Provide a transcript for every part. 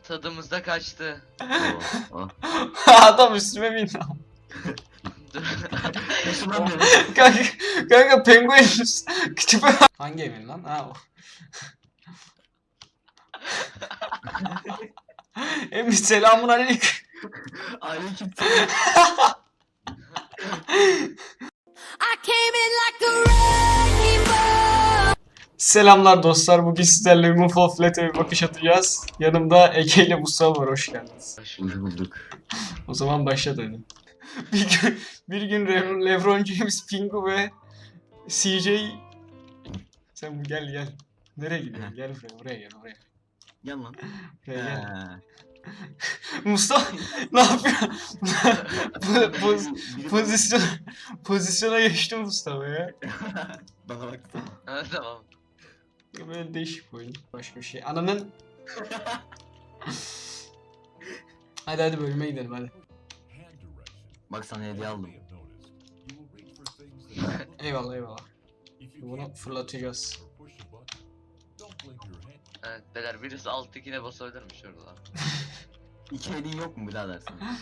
Tadımızda kaçtı. Oh. Adam üstüme bindi. Dur. Yaşından beri. Kanka penguen kütüphe. Hangi evin lan? Ha o. Emin selamun aleyküm. Aleyküm I came in like a rainbow. Selamlar dostlar. Bugün sizlerle Move of Let'e bir bakış atacağız. Yanımda Ege ile Mustafa var. Hoş geldiniz. Hoş bulduk. O zaman başla hadi. Bir gün LeBron James, Pingu ve CJ. Sen gel. Nereye gidiyorsun? Gel buraya gel. Gel lan. Buraya gel. Ha. Mustafa ne yapıyor? Pozisyona geçti Mustafa ya. Bana baksana. Ha, tamam. Böyle değişik bir oyun. Başka bir şey. Ananın... hadi bölüme gidelim hadi. Bak sana hediye aldım. Eyvallah. Bunu fırlatacağız. Evet beyler birisi alttakine basabilir mi şurada? İki elin yok mu birader senin?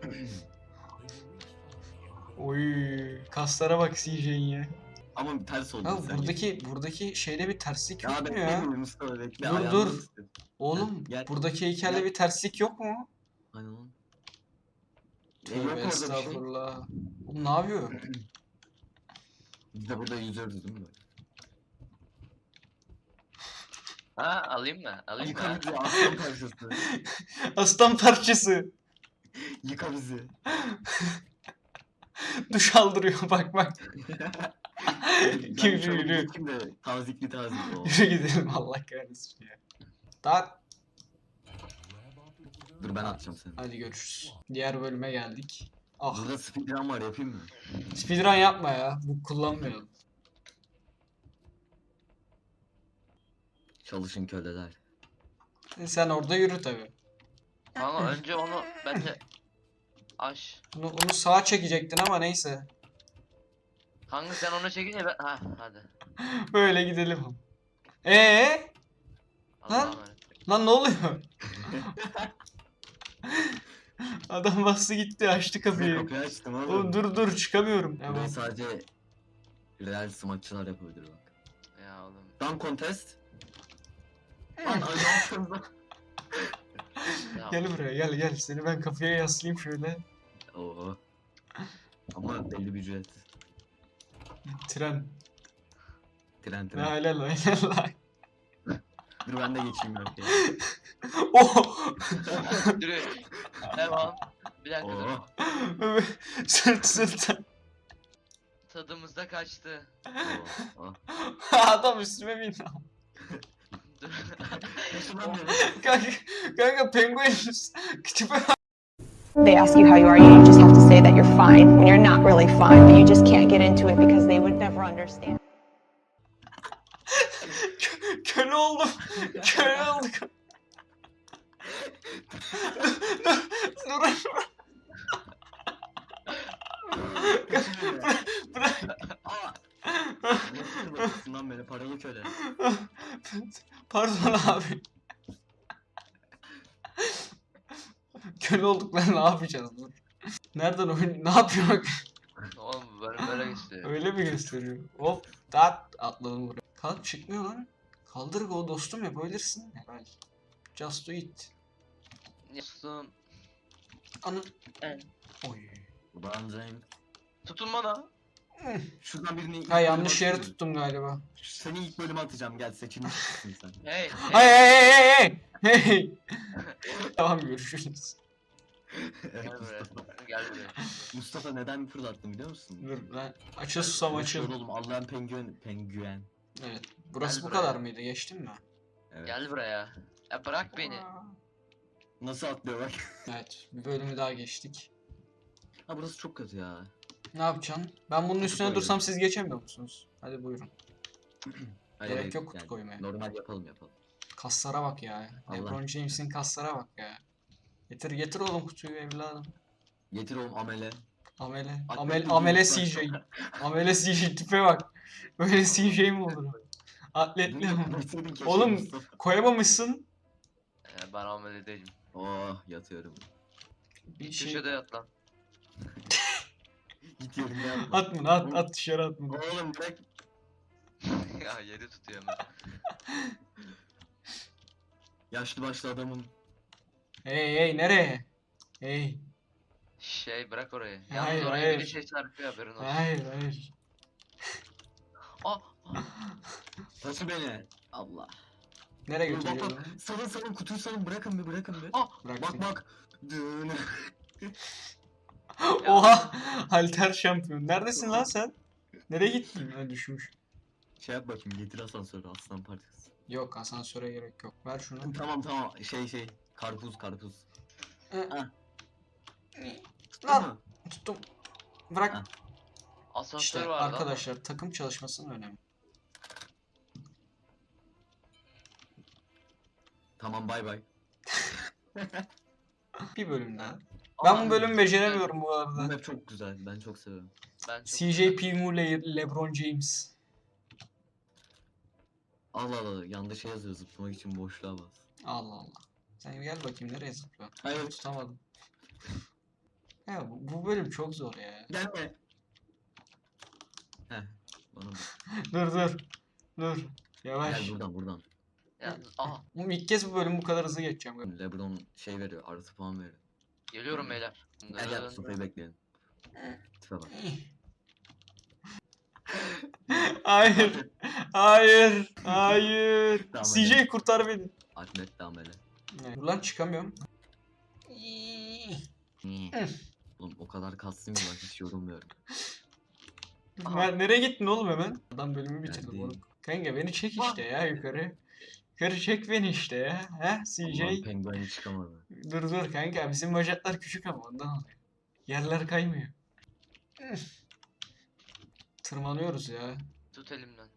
Oy, kaslara bak CJ'in ya. Ama ters oldu Ya sen. buradaki şeyde bir terslik yok Ya mu bekle ya? Mustafa bekle. Dur, ayağını dur. ısıt. Oğlum Gel. buradaki heykelde Gel. bir terslik yok mu? Aynen lan. Yok Tövbe orada bir şey. estağfurullah. Oğlum ne yapıyor? Biz de burada yüzüyoruz değil mi? Ha alayım mı? Alayım Yıka mı? bizi aslan parçası. Aslan parçası. Yıka bizi. Duş aldırıyor bak. Yürü. Kim de tazikli. O. Yürü gidelim Allah kahretsin ya. Daha Dur ben atacağım seni. hadi görüşürüz. Diğer bölüme geldik. Ah, Burada speedrun var yapayım mı? speedrun yapma ya. Bu kullanmayalım. Çalışın köleler. Sen orada yürü tabi. Ama önce onu bence aş. Bunu sağa çekecektin ama neyse. Kanka sen onu çekince ben... Ha hadi. Böyle gidelim. Allah'a Lan. emanet. Lan ne oluyor? Adam bastı gitti açtı kapıyı. Kapıyı açtım oğlum. Oğlum dur çıkamıyorum. Burayı Tamam. sadece real smaççılar yapabilir bak. Ya oğlum. Dunk contest. Lan acayip. Ya, Gel buraya gel. Seni ben kafaya yaslayayım şöyle. Oo. Ama belli bir ücret. Tren. Tren. La. Dur ben de geçeyim yok ya. Oh! Yürü. Devam. Bir dakika dur. Oo. Sırt. Tadımızda kaçtı. Oo. Adam üstüme bindi. Dur. Yaşından beri. Kanka penguen kütüphe. They ask you how you are, you just have to say that you're fine when you're not really fine, but you just can't get into it because they would never understand. Köle oldum. Köle olduk. Dur. Bırak. Nasıl bakıyorsun beni paralı köle. Pardon abi. Köle olduk lan ne yapacağız dur. Nereden oyun ne yapıyor? Oğlum böyle geçti. Öyle mi gösteriyor? Hop atladım buraya. Kalk çıkmıyor lan. Kaldır go dostum yapabilirsin. Helal. Just do it. Dostum. Anı. Evet. Oy. Ulan James. Tutun bana. Şuradan birini ilk Ha yanlış bölüme yere atayım. tuttum galiba. Seni ilk bölüme atacağım gel seçilmişsin sen. Hey. Hey. Tamam görüşürüz. Evet, Gel buraya. Mustafa. Gel buraya. Mustafa neden fırlattım biliyor musun? Dur lan. Açıl susam açıl. Oğlum Allah'ın penguen. Evet. Burası Gel bu buraya. kadar mıydı? Geçtin mi? Evet. Gel buraya. Ya bırak beni. Nasıl atlıyor bak. Evet. Bir bölümü daha geçtik. Ha burası çok kötü ya. Ne yapacaksın? Ben bunun üstüne koyuyorum. dursam siz geçemiyor musunuz? Hadi buyurun. Hayır, Gerek yok kutu koymaya. Normal yapalım. Kaslara bak ya. Allah. LeBron James'in kaslara bak ya. Getir oğlum kutuyu evladım. Getir oğlum amele. Amele. Atletik Amele bir CJ. Amele CJ tipe bak. Böyle CJ mi olur? Atletli mi? Getirseydin keşke Oğlum Mustafa. koyamamışsın. Ben amele değilim. Oh yatıyorum. Bir şey... Köşede yat lan. Git yerinde yapma. At bunu at dışarı at bunu. Oğlum bırak. Ya yeri tutuyor hemen. Yaşlı başlı adamım. Hey nereye? Hey. Bırak orayı. Hayır, Yalnız oraya hayır. biri şey çarpıyor haberin olsun. Hayır. Ah! Taşı beni. Allah. Nereye Bak götürüyorsun? bak. Salın kutuyu salın bırakın bir. Ah! Bırak Bak seni. bak. Dün. Oha! Halter şampiyon. Neredesin lan sen? Nereye gittin? Ha, düşmüş. Şey yap bakayım getir asansörü aslan parçası. Yok asansöre gerek yok. Ver şunu. Tamam şey. Karpuz. Lan Tamam. tuttum. Bırak. Ha. Asansör İşte vardı arkadaşlar takım çalışmasının önemi. Tamam bay. Bir bölüm daha. ama. Ben bu bölümü beceremiyorum bu Bu arada. map çok güzel. Ben çok seviyorum. Ben çok CJ Pingu LeBron James. Allah yanında şey yazıyor zıplamak için boşluğa bas. Allah Allah. Sen gel bakayım nereye zıplıyorsun? Hayır Tutamadım. Ya bu bölüm çok zor ya. gelme. Heh. Bana bak. Dur. Yavaş. Gel buradan. Yalnız, aha Oğlum ilk kez bu bölüm bu kadar hızlı geçeceğim. LeBron şey veriyor artı puan veriyor. geliyorum beyler. Gel sofrayı bekleyelim. Tipe bak. Hayır. Tamam, CJ hadi. kurtar beni. Ahmet Damele. Dur lan çıkamıyorum. Oğlum o kadar kastım ki ben hiç yorulmuyorum. Nereye gittin oğlum hemen? Adam bölümü bitirdi Neredeyim? moruk. Kanka beni çek işte ya yukarı. Yukarı çek beni işte ya. He CJ. Ulan pengueni çıkamadı. Dur kanka bizim bacaklar küçük ama ondan oluyor. Yerler kaymıyor. Tırmanıyoruz ya. Tut elimden.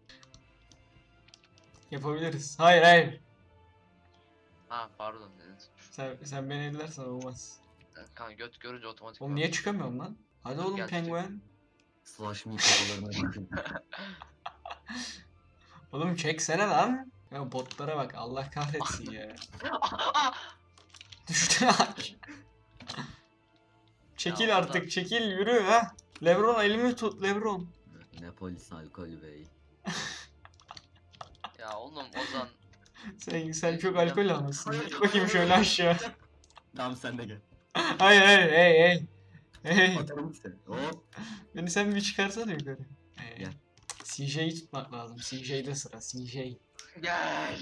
Yapabiliriz. Hayır. Ha pardon dedin. Sen beni ellersen olmaz. Kanka göt görünce otomatik. Oğlum niye çıkamıyorum lan? Hadi oğlum Gel, penguen. Slash me kafalarına bakın. Oğlum çeksene lan. Ya botlara bak Allah kahretsin ya. Düştü aç. Çekil Ya, artık çekil yürü ha. Lebron elimi tut Lebron. Ne polis alkol bey. Ya oğlum Ozan. Sen çok alkol almışsın. Git bakayım şöyle aşağı. Tamam sen de gel. Hayır hey. Atarım seni. Hop. Beni sen bir çıkarsana yukarı. Gel. CJ'yi tutmak lazım. CJ'de sıra CJ. Gel.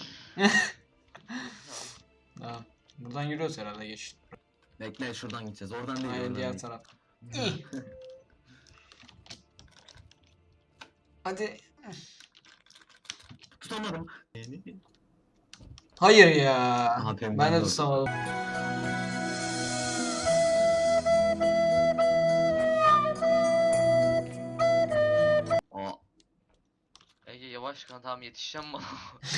Tamam. Buradan yürüyoruz herhalde geç. Bekle şuradan gideceğiz. Oradan değil. Aynen oradan diğer değil. taraf. İyi. Hadi. Tutamadım. Hayır ya. Aha, penguen Ben de gördüm. tutamadım. Aa. Ege yavaş kan tamam yetişeceğim bana.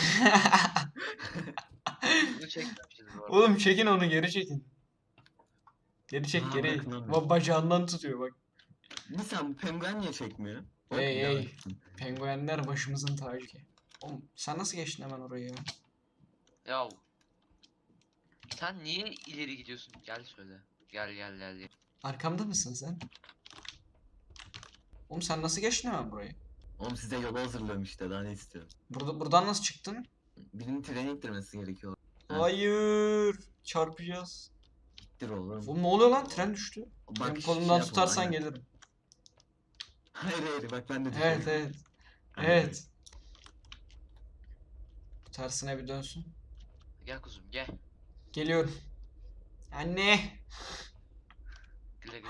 Bunu çekmemişiz bu arada. Oğlum çekin onu geri çekin. Geri çek Aa, geri. bırakın lan. Bacağından tutuyor bak. Bir sen bu penguen niye çekmiyor? Bak, Hey, bir daha hey. gitsin. Penguenler başımızın tacı ki. Oğlum sen nasıl geçtin hemen oraya ya? Ya. Sen niye ileri gidiyorsun? Gel söyle. Gel. Arkamda mısın sen? Oğlum sen nasıl geçtin hemen burayı? Oğlum size yolu hazırlıyorum işte daha ne istiyorsun? Buradan nasıl çıktın? Birinin treni ittirmesi gerekiyor. Ha. Hayır. Çarpacağız. İttir oğlum. Oğlum ne oluyor lan? Tren düştü. Bak, Benim şey kolumdan yapalım, tutarsan aynen. gelirim. Hayır bak ben de Evet düşüyorum. evet. Tersine bir dönsün. Gel kuzum gel. Geliyorum. Anne. Güle.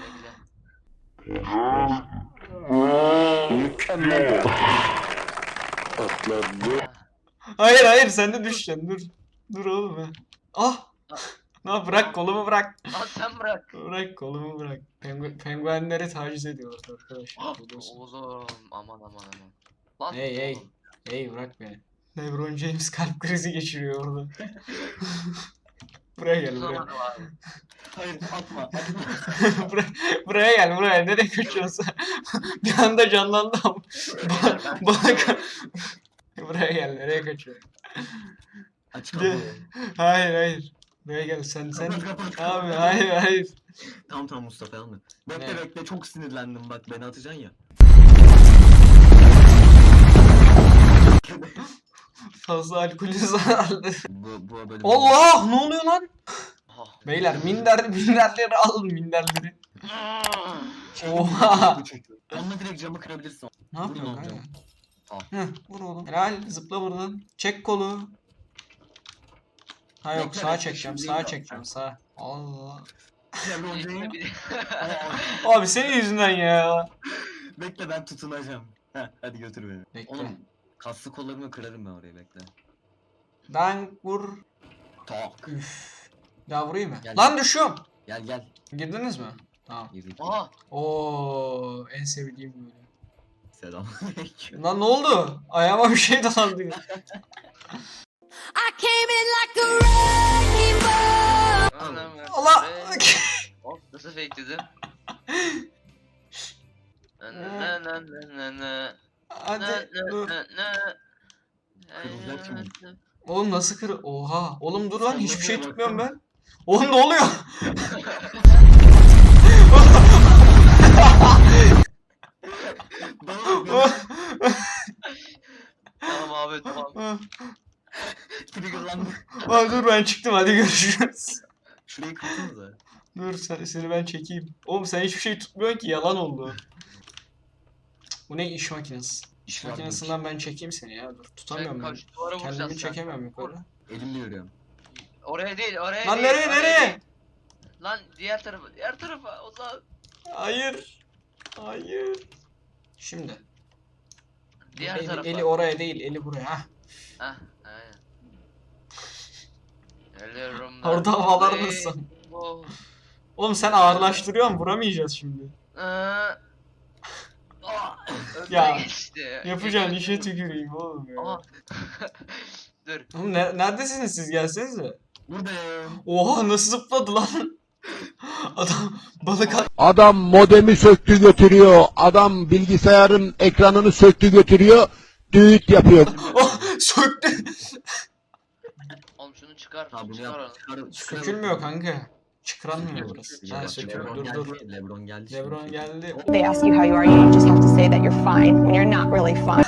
Hayır sen de düşeceksin dur. Dur oğlum ha. Ah. Bırak kolumu bırak. Lan sen bırak. Bırak kolumu bırak. Penguenleri taciz ediyorlar arkadaşlar. biliyorsun. Oğlum aman. Lan Hey. oğlum. Hey bırak beni. LeBron James kalp krizi geçiriyor orada. Buraya gel buraya. Tutamadım abi. Hayır atma. buraya gel buraya. Nereye kaçıyorsun? Bir anda canlandı ama. Bana buraya gel nereye kaçıyorsun? Aç Gel. kapıyı. Hayır hayır. Buraya gel sen. Kapat, kapat, Abi kapat. hayır hayır. Tamam Mustafa alma. Bekle Ne? bekle çok sinirlendim bak beni atacaksın ya. Fazla alkolü zararlı. Bu böyle. Allah ne oluyor lan? Oh. Beyler minderleri alın minderleri. Oha. Onunla direkt camı kırabilirsin. Ne Vurun yapıyorsun oğlum kanka? camı. Tamam. Heh, vur oğlum. Helal zıpla buradan. Çek kolu. Ha yok Bekle, sağa bekle, çekeceğim şimdi sağa yap. çekeceğim sağa. Allah. Lebron James. Bir- Abi senin yüzünden ya. Bekle ben tutunacağım. Heh, hadi götür beni. Bekle. Oğlum kaslı kollarımı kırarım ben oraya bekle. Ben vur. Tak. Üf. Daha vurayım mı? Gel. Lan düşüyorum. Gel. Girdiniz mi? Tamam. Girdik. Aha. Oo en sevdiğim böyle. Selam. Lan ne oldu? Ayağıma bir şey dolandı. I came in like a wrecking ball. Allah. Hop nasıl fake dedim? Hadi dur. Kırılacak şimdi. Oğlum nasıl kır? Oha. Oğlum dur lan Sen hiçbir şey nereye tutmuyorum baktın? ben. Oğlum ne oluyor? Tamam abi tamam. Triggerlandım. Aa, dur ben çıktım hadi görüşürüz. Şurayı kırsanıza. Dur seni ben çekeyim. Oğlum sen hiçbir şey tutmuyorsun ki yalan oldu. Bu ne iş makinesi? İş var makinesinden ben çekeyim seni ya dur. Tutamıyorum Sen ben. kaç duvara Kendimi vuracaksın sen? çekemiyorum yukarı. Elimle yürüyorum. Oraya değil oraya Lan değil. nereye oraya nereye? değil. Lan diğer tarafa o zaman. Hayır. Hayır. Şimdi. Diğer eli, tarafa. eli oraya değil eli buraya. Hah. Hah aynen. Geliyorum. Orada havalar mısın? Oh. Oğlum sen ağırlaştırıyorsun vuramayacağız şimdi. Ya, Geçti. Yapacağın işe tüküreyim oğlum ya. Aha. Dur. Oğlum neredesiniz siz gelsenize. Buradayım. Oha nasıl zıpladı lan? Adam balık Adam modemi söktü götürüyor. Adam bilgisayarın ekranını söktü götürüyor. Düğüt yapıyor. Oh, söktü. Oğlum şunu çıkar. Ha bunu çıkar yap. onu. Sökülmüyor kanka. Çıkıramıyor burası. Ha söküyor. Lebron Dur geldi. dur. Lebron geldi. Lebron şimdi. geldi. They ask you how you are, you just have to say that you're fine when you're not really fine.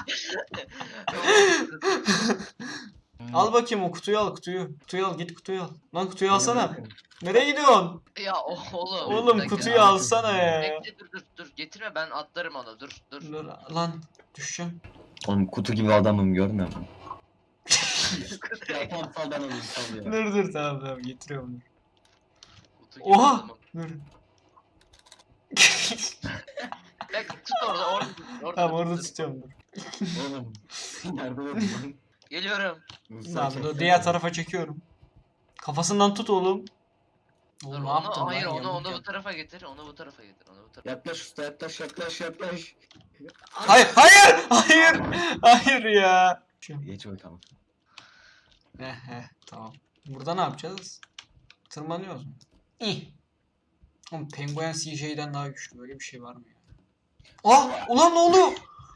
Al bakayım o kutuyu al kutuyu. Kutuyu al git kutuyu al. Lan kutuyu alsana. Nereye gidiyorsun? Ya oğlum. Oğlum bir dakika. kutuyu alsana ya. Bekle dur getirme ben atlarım onu dur. Dur lan düşeceğim. Oğlum kutu gibi adamım görmüyor musun? Ya tamam sal ben alayım sal ya. Dur tamam getiriyorum. Kutu gibi Oha! adamım. Dur. Bekle tut orada tut. Tamam tut, orada dur. tutuyorum dur. Oğlum. Nerede oldun? Geliyorum. Tamam dur diğer tarafa çekiyorum. Kafasından tut oğlum. Dur Oğlum ne onu yaptın lan? hayır onu Yamuk bu yap. tarafa getir. Onu bu tarafa getir. Onu bu tarafa. Yaklaş usta yaklaş. Hayır hayır ya. Geç bakalım. Tamam. Burada ne yapacağız? Tırmanıyoruz mu? İyi. Oğlum penguen CJ'den daha güçlü böyle bir şey var mı ya? Ah ulan ne oluyor?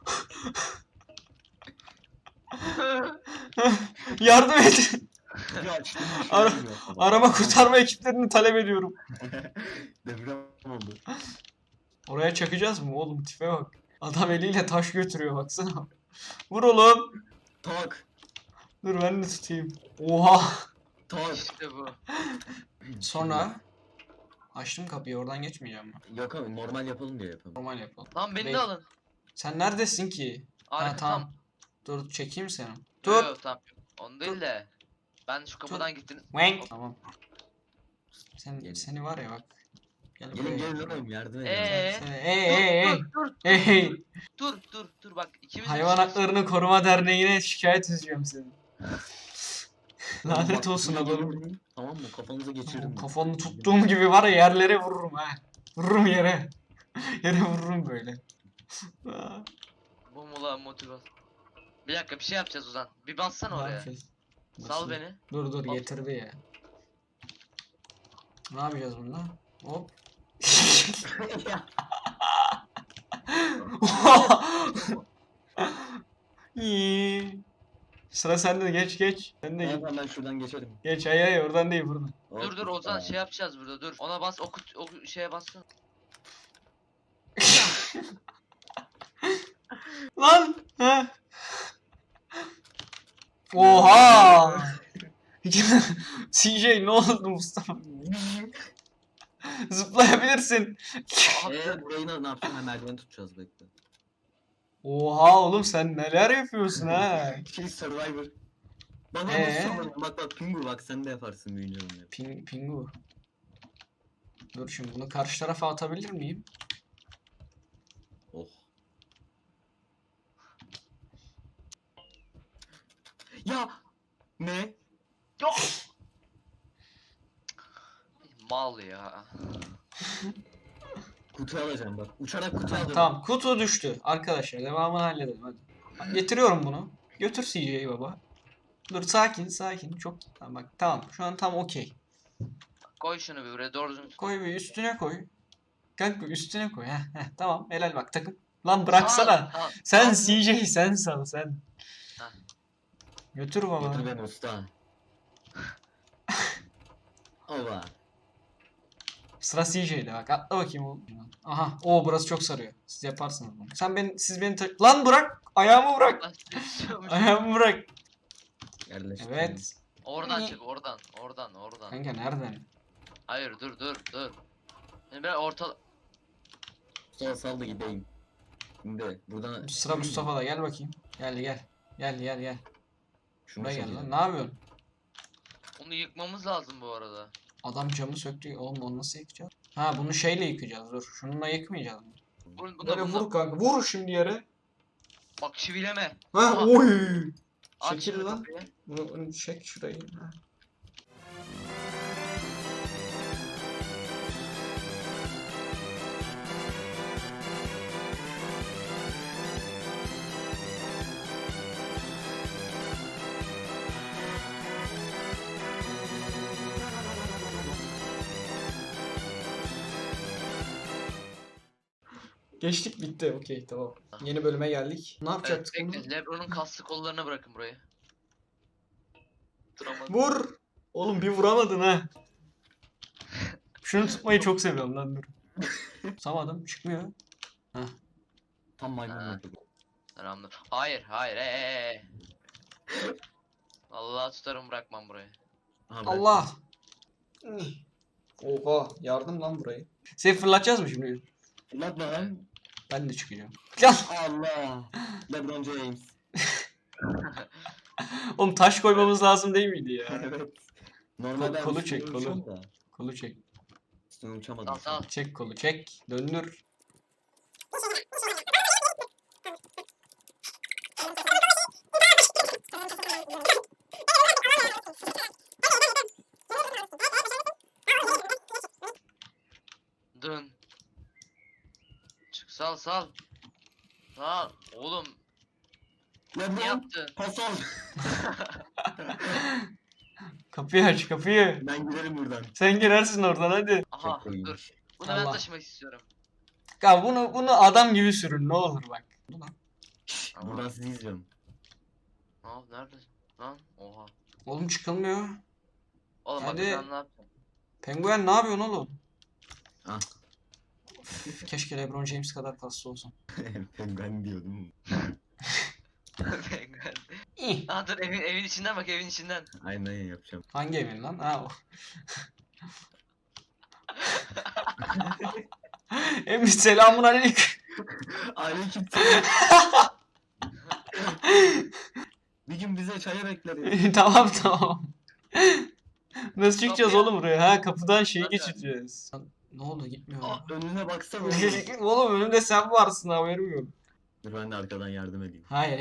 Yardım et. Ya açtım. Ara- Arama kurtarma ekiplerini talep ediyorum. Deprem oldu. Oraya çakacağız mı oğlum tipe bak. Adam eliyle taş götürüyor baksana. Vur oğlum. Tak. Dur ben de tutayım. Oha. Tak. İşte bu. Sonra açtım kapıyı oradan geçmeyeceğim mi? Yok abi normal yapalım diye yapalım. Normal yapalım. Lan beni Bey- de alın. Sen neredesin ki? Arka Ha tamam. Dur çekeyim seni. Dur. Dur. Yok, tamam. Onu değil de. Ben şu kapıdan gittim. Wank. Tamam. Gelin. Seni var ya bak. Gel Gelin buraya. gelin oğlum yardım edin. Hey. Dur bak ikimiz Hayvan Haklarını Koruma Derneği'ne şikayet edeceğim seni. Lanet olsun adamım. Tamam mı? Kafanıza geçirdim. Kafanı tuttuğum gibi var ya yerlere vururum ha. Vururum yere. Yere vururum böyle. Bu mu lan motivasyon? Bir dakika bir şey yapacağız Ozan. Bir bassana Ne oraya. yapacağız? Sal Nasıl? beni. Dur Bas. getirdi ya. Ne yapacağız bunda? Hop. İyi. Sıra sende, geç. Sen de Tamam ben şuradan geçerim. geç, hayır oradan değil buradan. Dur Ozan şey yapacağız burada dur. Ona bas o şeye bassın. Lan! Ha. Oha! CJ ne oldu Mustafa? Zıplayabilirsin. Burayı ne yapacağım? Hemen merdiveni tutacağız bekle. Oha oğlum sen neler yapıyorsun ha? Survivor. Bana Ee? nasıl sormadın? Bak Pingu bak sen de yaparsın büyüyünce onu. Pingu. Dur şimdi bunu karşı tarafa atabilir miyim? Oh. Ya ne? Yok. Mal ya. Kutu alacağım bak. Uçarak kutu alacağım. Tamam kutu düştü. Arkadaşlar devamını halledelim hadi. Getiriyorum bunu. Götür CJ'yi baba. Dur sakin. Çok tamam bak tamam. Şu an tam okey. Koy şunu bir buraya doğru düzgün. Koy bir üstüne koy. Kanka üstüne koy. Heh, tamam helal bak takım. Lan bıraksana. Tamam, Sen tamam. CJ sen sal sen. Ha. Götür baba. Götür beni usta. Ova. Sıra CJ'de bak atla bakayım oğlum. Aha burası çok sarıyor. Siz yaparsınız bunu. Siz beni lan bırak. Ayağımı bırak. Lan istiyormuş. Ayağımı bırak. Yerleştir. Evet. Oradan çık oradan. Kanka nereden? Hayır dur. Şimdi ben orta... Sal da gideyim. Şimdi buradan... Sıra Mustafa'da gel bakayım. Gel. Şunu Buraya gel çekeceğim. lan. Ne yapıyorsun? Onu yıkmamız lazım bu arada. Adam camı söktü. Oğlum onu nasıl yıkacağız? Ha bunu şeyle yıkacağız. Dur. Şununla yıkmayacağız. Böyle Bunda. vur kanka. Vur şimdi yere. Bak çivileme. Ha Aha. oy. Aç Çekil şimdi lan. kapıyı. Bunu çek şurayı. Ha. Geçtik bitti. Okey tamam. Yeni bölüme geldik. Ne Evet, yapacaktık bunu? bekle. Lebron'un kaslı kollarına bırakın burayı. Duramadım. Vur. Oğlum bir vuramadın ha. Şunu tutmayı çok seviyorum lan dur. Tutamadım çıkmıyor. Tam maymun Ha. yapıyor. Selamlar. Hayır. Hey. Vallahi tutarım bırakmam burayı. Aha, bırak. Allah. Oha yardım lan burayı. Seni fırlatacağız mı şimdi? Fırlatma lan. Ben de çıkacağım. Gel. Allah. LeBron James. Oğlum taş koymamız lazım değil miydi ya? Evet. Normalde Kolu üstüne çek, kolu. uçuyorum da. Kolu çek. Üstüne uçamadım. Sal. Çek kolu çek. Döndür. Dön. Çık sal. Sal. Oğlum ne LeBron. yaptın? Pas al. Kapıyı aç kapıyı. Ben giderim buradan. Sen girersin oradan hadi. Aha Çok iyiymiş. dur. Bunu ben Allah. taşımak istiyorum. Ya bunu adam gibi sürün ne olur bak. Buradan sizi izliyorum. Neredesin? Lan oha. Oğlum çıkılmıyor. Oğlum Hadi. bak sen ne yaptın? Penguen ne yapıyorsun oğlum? Ah. Üf, keşke LeBron James kadar kaslı olsam. Ben diyordum. Penguen. İh. Dur evin içinden bak evin içinden. Aynen yapacağım. Hangi evin lan? Ha o. Emin selamun aleyküm. Aleyküm. Bir gün bize çaya bekleriz. Tamam. Nasıl çıkacağız Kapıya- oğlum buraya? Ha kapıdan şeyi Hadi. geçeceğiz. Lan, ne oldu gitmiyor. Aa, önüne baksana. Oğlum önümde sen varsın haberim yok. Dur ben de arkadan yardım edeyim. Hayır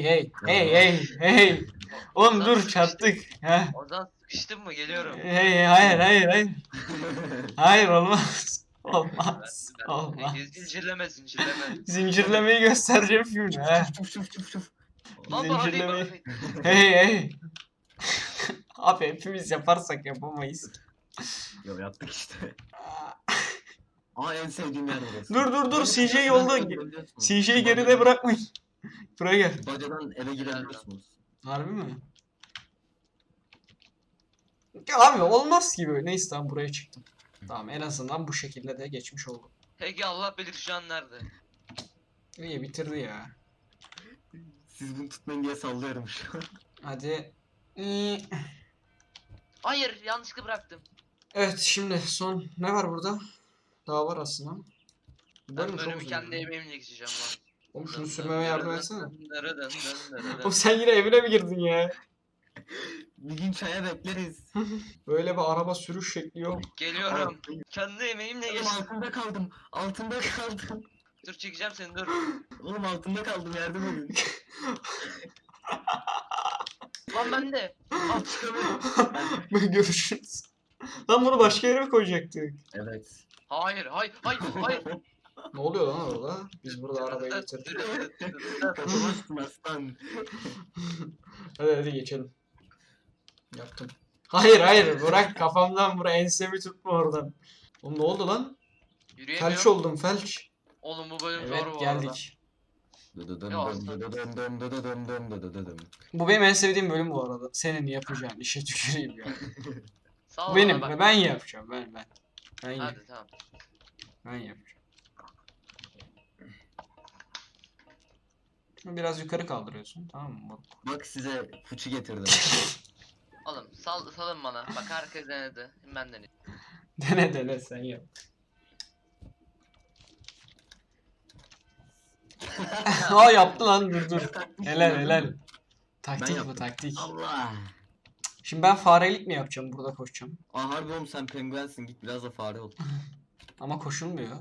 hey. Oğlum dur çarptık. Ha. Oradan sıkıştın mı? Geliyorum. Hey hayır. Hayır olmaz. Olmaz. Olmaz. Zincirleme. Zincirlemeyi göstereceğim şimdi ha. Çuf. Lan bana değil Zincirleme. bana değil. Hey. Abi hepimiz yaparsak yapamayız. Yo yaptık işte. Aa en sevdiğim yer burası. Dur CJ yolda. CJ'yi geride bırakmayın. Buraya gel. Bacadan eve girebiliyorsunuz. Harbi mi? Ya abi olmaz gibi. Neyse tamam buraya çıktım. Tamam en azından bu şekilde de geçmiş oldum. Peki Allah bilir şu an nerede? İyi bitirdi ya. Siz bunu tutmayın diye sallıyorum şu an. Hadi. Hayır, yanlışlıkla bıraktım. Evet şimdi son ne var burada? Daha var aslında. Bu Ben bölüm çok bölümü uzun kendi ya. emeğimle geçeceğim lan. Oğlum şunu sürmeme yardım etsene. Dın. Oğlum sen yine evine mi girdin ya? Bir gün çaya bekleriz. Böyle bir araba sürüş şekli yok. Geliyorum. Kendi emeğimle Oğlum geçtim. altında kaldım. Altında kaldım. Dur çekeceğim seni dur. Oğlum altında kaldım, yardım edin. Lan ben de. Al çıkamıyorum. Görüşürüz. Lan bunu başka yere mi koyacaktık? Evet. Hayır. Ne oluyor lan orada? Biz burada arabayı getirdik. Kaçamazsın aslan. Hadi geçelim. Yaptım. Hayır bırak kafamdan buraya ensemi tutma oradan. Oğlum ne oldu lan? Felç Yürüyemiyorum. oldum felç. Oğlum bu bölüm Evet zor bu geldik. Bu benim en sevdiğim bölüm bu arada. Senin yapacağın işe tüküreyim ya. arada. Sağ ol Bu benim. bana bak. Ben yapacağım. Ben yapacağım. Hadi tamam. Ben yapacağım. Şunu biraz yukarı kaldırıyorsun. Tamam mı? Bak size fıçı getirdim. Oğlum salın bana. Bak herkes denedi. Ben deneyim. Dene sen yap. Aa yaptı lan dur. Helal. Taktik bu yaptım. taktik. Allah. Şimdi ben farelik mi yapacağım burada koşacağım? Aa harbi oğlum, sen penguensin, git biraz da fare ol. Ama koşulmuyor.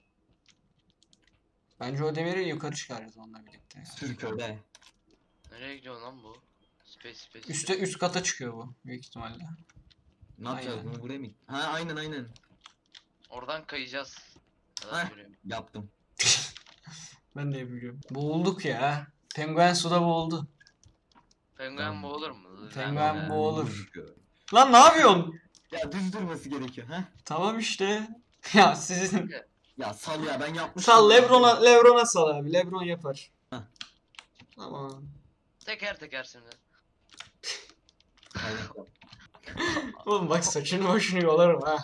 Bence o demiri yukarı çıkaracağız onunla birlikte. Sür köle. Nereye gidiyor lan bu? Space. Üst kata çıkıyor bu büyük ihtimalle. Ne yapacağız Aynen. bunu, buraya mı? Ha aynen. Oradan kayacağız. Heh. Adam görüyorum. Yaptım. Ben de yapıyorum. Boğulduk ya. Penguen suda boğuldu. Penguen boğulur mu? Penguen Ben- boğulur. Lan ne yapıyorsun? Ya düz durması gerekiyor ha. Tamam işte. Ya sizin Ya sal ya, ben yapmıştım. sal Lebron'a sal abi. Lebron yapar. Heh. Tamam. Teker şimdi. Aynen. Oğlum bak saçını başını yolarım ha.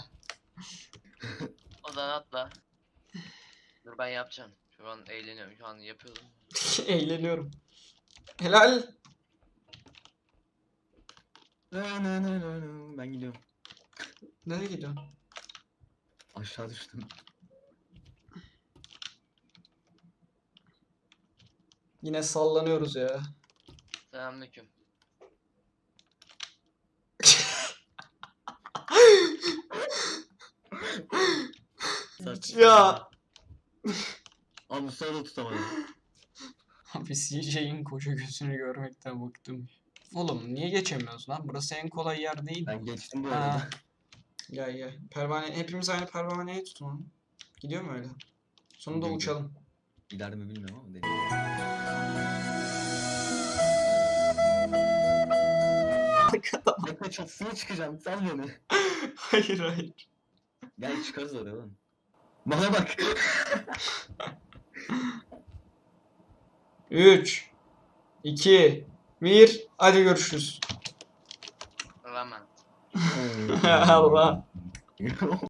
O zaman atla. Dur ben yapacağım. Şu an eğleniyorum. Şu an yapıyordum. Eğleniyorum. Helal. Ben gidiyorum. Nereye gidiyorsun? Aşağı düştüm. Yine sallanıyoruz ya. Selamünaleyküm. Ya. Abi Mustafa da tutamadım. Abi CJ'in koca gözünü görmekten bıktım. Oğlum niye geçemiyoruz lan? Burası en kolay yer değil. Ben geçtim bu Ha. arada. Gel. Hepimiz aynı pervaneye tutunalım. Gidiyor mu öyle? Sonunda Gidiyor. uçalım. Gider mi bilmiyorum ama deneyim. Arkadan. Tepe çatısına çıkacağım, sal beni. Hayır. Gel çıkarız oraya oğlum. Bana bak. 3 2 1 Hadi görüşürüz. Rağmen. Allah.